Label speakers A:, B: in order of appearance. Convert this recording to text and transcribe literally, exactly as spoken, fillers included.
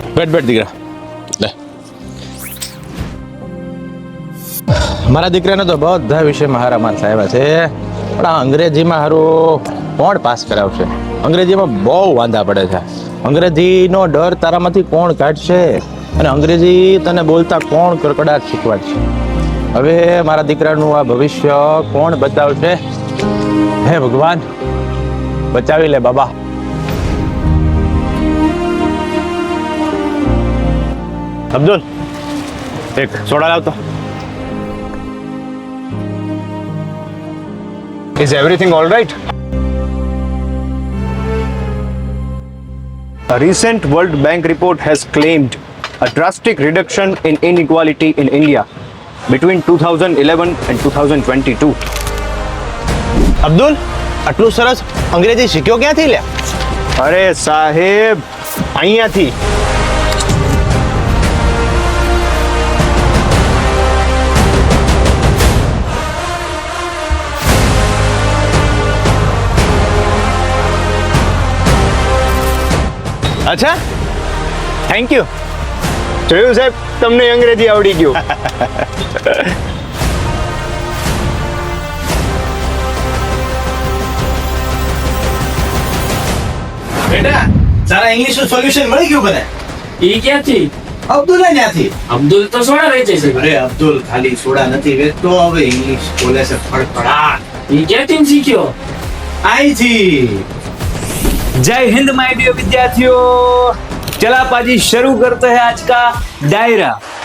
A: બેઠ બેઠ દીકરા લે. મારા દીકરાને તો બધા વિષયમાં હારા માર્ક્સ આવ્યા છે, પણ આ અંગ્રેજીમાં હારું કોણ પાસ કરાવશે? અંગ્રેજીમાં બહુ વાંધા પડે છે. અંગ્રેજીનો ડર તારામાંથી કોણ કાઢશે? અને અંગ્રેજી તને બોલતા કોણ કડકડાટ શીખવાડશે? હવે મારા દીકરાનું આ ભવિષ્ય કોણ બતાવશે? હે ભગવાન, બચાવી લે બાબા. અબ્દુલ, એક સોડા લાવતો.
B: Is everything all right? A recent World Bank report has claimed a drastic reduction in inequality in India between two thousand eleven and two thousand twenty-two.
A: Abdul, આટલું સરસ અંગ્રેજી શીખ્યો ક્યાંથી લે?
B: અરે સાહેબ, અહીંયાથી.
A: અચ્છા, થેન્ક યુ.
B: જોયું સાહેબ, તમને અંગ્રેજી આવડી ગયું.
A: બેટા, તારા ઇંગ્લિશનું સોલ્યુશન મળી ગયું મને.
C: ઈ ક્યાંથી?
A: અબ્દુલ ત્યાંથી.
C: અબ્દુલ તો સોડા વેચે છે.
A: અરે અબ્દુલ ખાલી સોડા નથી વેચતો, હવે ઇંગ્લિશ બોલે છે ફડફડાટ.
C: ઈ ક્યાંથી શીખ્યો?
A: આઈથી.
D: जय हिंद माय डियर विद्यार्थियों, चला पाजी शुरू करते हैं आज का डायरा.